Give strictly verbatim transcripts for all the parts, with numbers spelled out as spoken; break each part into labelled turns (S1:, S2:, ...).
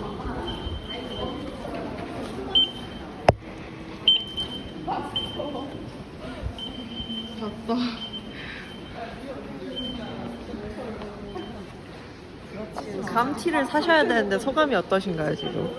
S1: 잤다. 감티를 사셔야 되는데 소감이 어떠신가요 지금?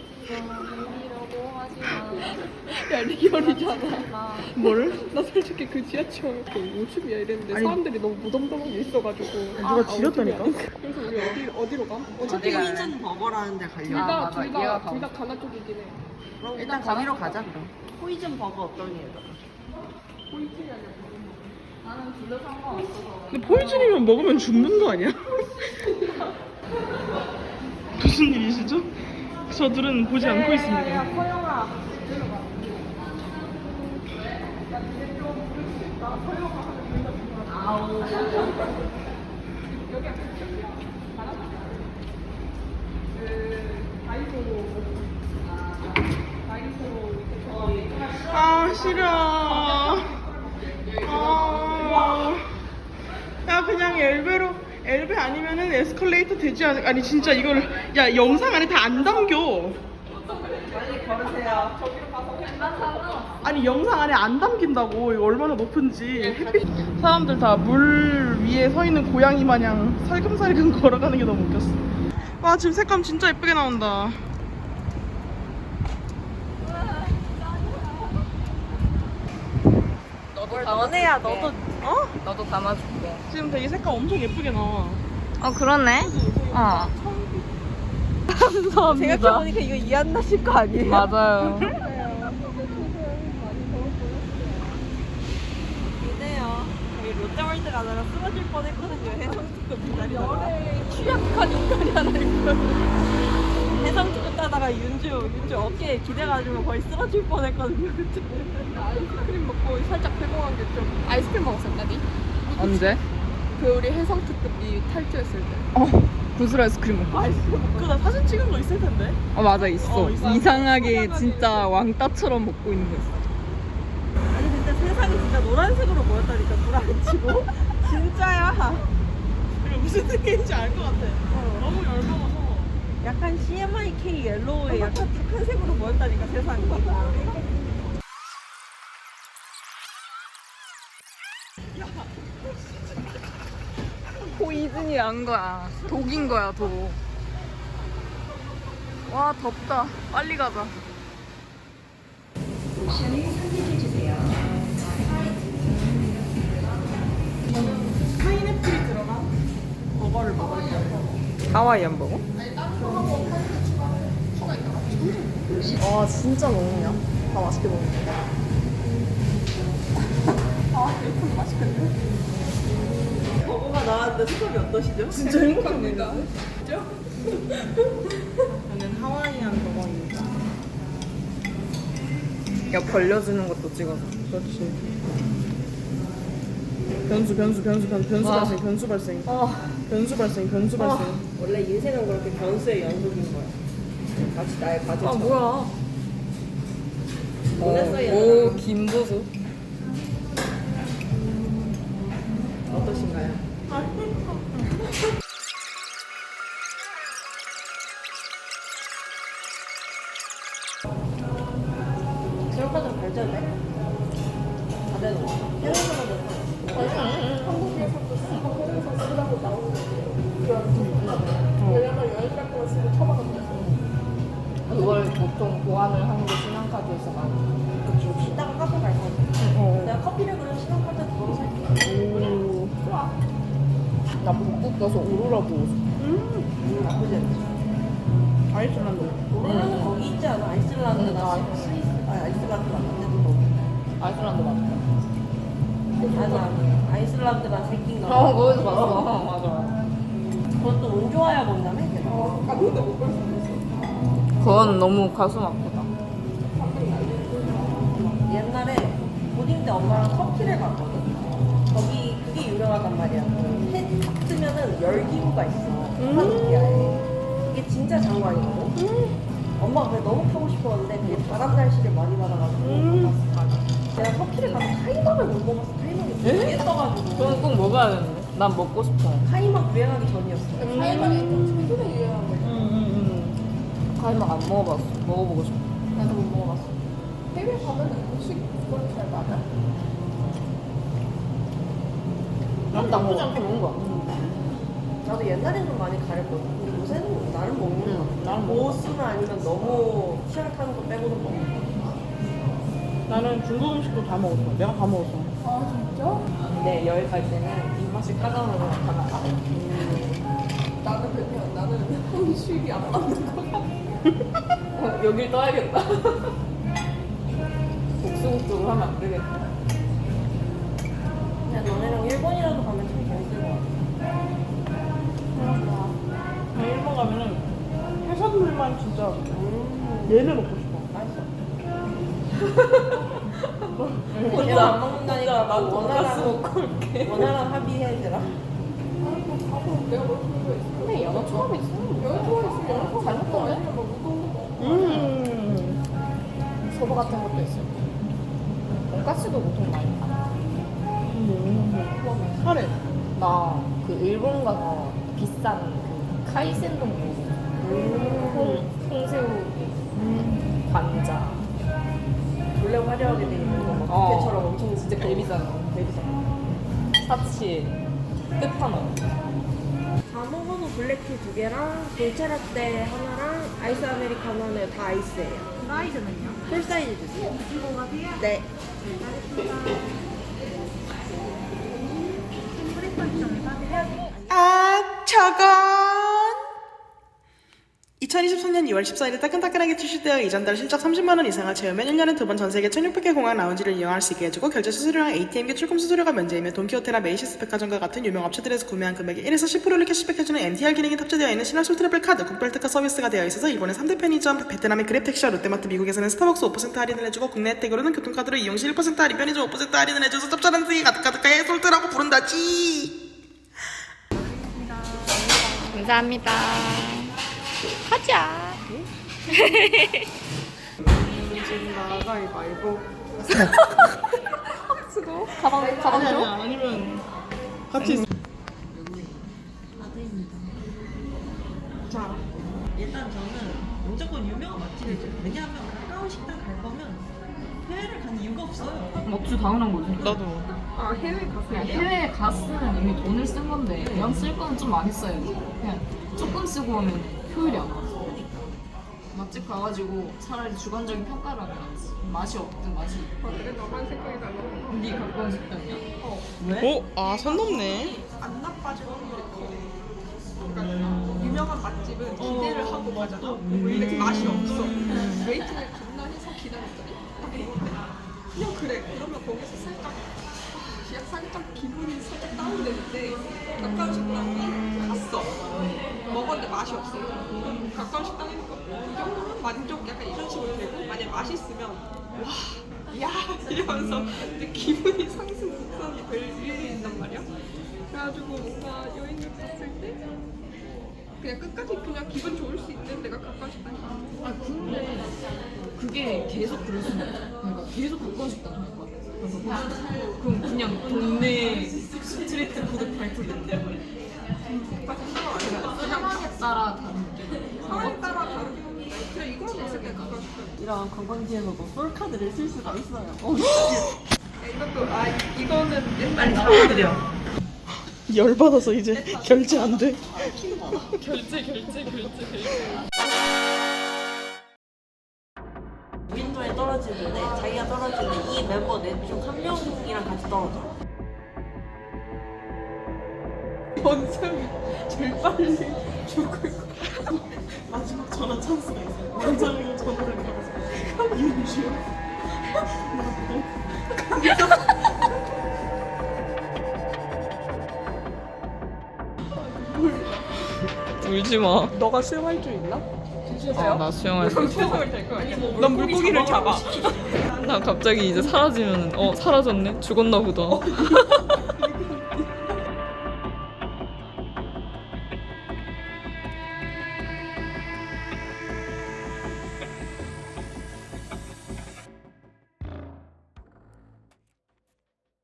S2: 야 리얼이잖아. 뭘? 나 솔직히 그 지하철 오십이야 이랬는데
S1: 아니,
S2: 사람들이 너무 무덤덤하게 있어가지고
S1: 누가 지렸다니까?
S2: 그래서 우리 어디, 어디로 가? 어차피
S1: 포이즌 버거라는 데 가려고.
S2: 둘다둘다둘다 가나 쪽이긴 해.
S1: 그럼 일단 거기로 가자 그럼. 포이즌 버거 어떤 게?
S3: 근데 포이즌이면 먹으면 죽는 거 아니야? 무슨 일이시죠? 저들은 보지 않고 있습니다. 아 싫어. 아, 야 그냥 엘베로 엘베 아니면은 에스컬레이터 되지 않을? 아니 진짜 이걸 야 영상 안에 다 안 담겨.
S1: 빨리 걸으세요.
S3: 아니 영상 안에 안 담긴다고. 이거 얼마나 높은지. 햇빛 사람들 다 물 위에 서 있는 고양이 마냥 살금살금 걸어가는 게 너무 웃겼어. 와 지금 색감 진짜 예쁘게 나온다.
S1: 뭘 너네야 너도 어?
S2: 너도 담아줄게.
S3: 지금 되게 색감 엄청 예쁘게 나와.
S2: 어 그러네. 어. 감사합니다.
S1: 생각해보니까 이거 이한나 씨 거 아니에요?
S2: 맞아요.
S1: 이네요. 저희 롯데월드 가다가 쓰러질 뻔했거든요. 해성특급 기다리다가. 취약한 인간이 하나 있거든요. 해성특급 따다가 윤주, 윤주 어깨에 기대가지고 거의 쓰러질 뻔했거든요. 그때.
S2: 아이스크림 먹고 살짝 배고한 게 좀. 아이스크림 먹었었다니?
S3: 언제?
S2: 그 우리 해성특급이 탈주했을 때.
S3: 어 구슬 아이스크림 먹고.
S1: 아이스크림
S3: 그거 나 사진 찍은 거 있을 텐데.
S2: 어 맞아 있어.
S1: 어, 있어.
S2: 이상하게 진짜 왕따처럼 먹고 있는 거 있어.
S1: 아니 근데 세상이 진짜 노란색으로 보였다니까 불 안 치고. 진짜야.
S3: 이거 무슨 느낌인지 알 것 같아. 너무 열받아서.
S1: 약간 씨엠아이케이 옐로우에 약간 탁한색으로 보였다니까 세상이.
S2: 포이즌이 난 거야. 독인 거야 독. 와 덥다. 빨리 가자.
S3: 파인애플이 들어간 버거를 먹을게요.
S1: 하와이안 버거? 와 진짜 먹냐? 다 맛있게 먹네. 버거가 나왔는데 소감이 어떠시죠?
S3: 진짜 행복합니다. 저는 하와이안 버거입니다.
S2: 야 벌려주는 것도 찍어서.
S3: 그렇지. 변수 변수 변수 변수 변수
S2: 와.
S3: 발생 변수 발생
S1: 어,
S3: 변수 발생 변수 발생.
S1: 원래 인생은 그렇게 변수의 연속인 거야. 마치 나의
S2: 아
S1: 과제처럼.
S2: 뭐야?
S1: 보냈어요.
S2: 오 김보수.
S1: 어떠신가요? 수영과정 발전돼? 다 되는 거. 해외에서만 돼.
S2: 한국에서도 쓰고 해외에서 쓰라고 나오는 거. 왜냐면 여행 갈 거면 쓰고 처박아버렸어. 그걸 보통 보완을 하는 게 신한카드에서 많이.
S1: 그치. 이따가 카페 갈 거지.
S2: 어.
S1: 내가 커피를 그럼 신혼카드 그걸로 살게.
S2: 오. 좋아. 나 북극 가서 오로라 보고 싶어.
S1: 음, 나쁘지 않지.
S3: 아이슬란드.
S1: 우리나라는 거기 있지 않아? 아이슬란드나
S2: 음,
S1: 스위스. 아, 아이슬란드 맞는데도 거기.
S2: 아이슬란드 맞다.
S1: 아니, 아니. 아이슬란드랑 새끼인가 봐.
S2: 어, 거기서 봤어. 맞아.
S1: 그것도 운 좋아야 본다며?
S2: 아, 근데 못 볼 수 있어. 그건 너무 가슴 아프다.
S1: 옛날에 고딩 때 엄마랑 터키를 갔거든. 거기 그게 유명하단 말이야. 해딱 뜨면은 열기구가 있어. 카파도키아에. 이게 진짜 장관이거든. 엄마가 그게 너무 타고 싶었는데 그게 바람 날씨를 많이 받아가지고 못 갔어. 내가 터키를 가서 카이막을 못 먹었어. 카이막이 되게 떠가지고.
S2: 그건 꼭 먹어야 되는데. 난 먹고 싶어.
S1: 카이막 유행하기 전이었어.
S2: 카이막이 좀 최근에 유행한 거야.
S3: 응응응.
S2: 갈막 안 먹어봤어. 먹어보고 싶어. 나도 못 먹어봤어. 해외 가면은 음식 그걸 잘 맞아. 난 나쁘지 않게 먹은 거야.
S1: 나도 옛날엔 좀 많이 가렸거든. 근데 요새는 나름 먹는 거
S2: 응,
S1: 같아.
S2: 나름
S1: 보스나 아니면 너무 희한한 거 빼고는 먹는 거
S3: 나는 중국 음식도 다 먹었어. 내가 다 먹었어.
S2: 아 진짜?
S4: 근데 여행 갈 때는 입맛이 까다로워 가다가
S2: 나는 그냥 나는 음식이 안 맞는 거 같아.
S4: 어, 여길 떠야겠다. 복수국적으로 하면 안 되겠다.
S1: 그냥 너네랑 일본이라도 가면 참 재밌을 것 같아.
S3: 나 일본 가면은 해산물만 진짜
S1: 음,
S3: 얘네 먹고 싶어.
S1: 맛있어. 얘가 안 먹는다니까 막 원하랑
S4: 먹고 올게.
S1: 원하랑 합의해주라.
S2: 아뭐 가고 내가 뭘 필요해 있어.
S4: 근데 연어 처음 있어.
S2: 여행 좋아했으면 여행 잘 먹던데? 아니면 뭐 우동 먹어.
S3: 음.
S2: 소바 같은 것도 있어요. 돈가스도 보통 많이 파.
S3: 음. 카레.
S2: 나 그 일본 가서 비싼 그 카이센동 먹어. 콩, 콩새우 관자.
S1: 원래 화려하게 돼 있는 거 막
S2: 어.
S1: 뷔페처럼 엄청
S4: 진짜 개비싸.
S1: 대비싸.
S4: 사치 끝판왕.
S1: 다 먹어도 블랙티 두 개랑 돌체라떼 하나랑 아이스 아메리카노 하나 다 아이스예요. 사이즈는요? 풀 사이즈 주세요. 네.
S3: 아, 저건 이천이십삼 년 이월 십사일에 따끈따끈하게 출시되어 이전 달 실적 삼십만 원 이상을 채우면 일 년에 두 번 전 세계 천육백 개 공항 라운지를 이용할 수 있게 해주고 결제 수수료랑 에이티엠기 출금 수수료가 면제이며 돈키호테나 메이시스 백화점과 같은 유명 업체들에서 구매한 금액의 일에서 십 퍼센트를 캐시백해주는 엠티알 기능이 탑재되어 있는 신화솔 트래블 카드 국별 특가 서비스가 되어 있어서 일본의 삼 대 편의점, 베트남의 그랩택시와 롯데마트, 미국에서는 스타벅스 오 퍼센트 할인을 해주고 국내 혜택으로는 교통카드로 이용 시 일 퍼센트 할인, 편의점 오 퍼센트 할인을 해줘서 짭짤한 승이 가득가득해 솔트라고 부른다지.
S2: 감사합니다. 가자.
S3: 가위바위보.
S2: 수고. 가방 가방
S3: 아니
S2: 줘.
S3: 아니야 아니면 같이 있어. 자
S5: 일단 저는 무조건 유명한 맛집을 죠 왜냐하면 가까운 식당 갈 거면 해외를 가는 이유가 없어요.
S4: 먹주 당연한 거지.
S3: 나도.
S2: 아 해외 갔어요.
S4: 그냥 해외에 갔으면 이미 돈을 쓴 건데 그냥 쓸 거는 좀 많이 써야지. 그냥 조금 쓰고 오면 효율이 안 나서. 맛집 가가지고 차라리 주관적인 평가를 하면 낫지. 맛이 없든 맛이 있든.
S2: 아, 그래 너만 생각이 달라.
S4: 네 가까운 식당이야?
S3: 오, 아, 선 넘네.
S2: 안 나빠질 확률이 커. 그러니까 유명한 맛집은 기대를 하고 가잖아. 원래 맛이 없어. 웨이팅을 존나 해서 기다렸더니 딱 먹는데 그냥 그래. 그러면 거기서 살짝 그냥 살짝 기분이 살짝 다운되는데 가까운 식당이 갔어. 먹었는데 맛이 없어. 가까운 식당이니까 이 정도면 만족 약간 이런 식으로 되고 만약 맛있으면 와, 야 이러면서 근데 기분이 상승 곡선이 될 일이 있단 말이야. 그래가지고 뭔가 여행을 갔을 때 그냥 끝까지 그냥 기분 좋을 수 있는 데가 가까운 식당이
S4: 아 근데 그게 계속 그럴 수는 없어. 그러니까 계속 가까운 식당 갈 거야. 그래서 그럼 그냥 동네 스트리트 푸드 발표된대. 상황에 따라 다른데.
S2: 상황에 따라 다르긴 한데 그냥 이거만 봤을 때 가까운 식당.
S5: 이런 관광지에서도 솔카드를 쓸 수가 있어요.
S2: 이것도 아 이거는 옛날
S5: 사드려.
S3: 열받아서 이제 결제 안 돼.
S4: 결제 결제 결제 결제.
S1: 윈도에 떨어지는데 자기가 떨어지는 이 멤버 넷 중 한 명이랑 같이 떨어져.
S2: 원상이 제일 빨리 죽을 거.
S3: 마지막 전화 찬스가 있어. 원장님 전화를 걸어서 이은주.
S4: 울지 마.
S2: 너가 수영할 줄 있나?
S4: 아, 나 수영할 수 있어.
S2: 수영을 될 거 아니야?
S3: 난 물고기를 잡아.
S4: 나 갑자기 이제 사라지면 어 사라졌네. 죽었나 보다.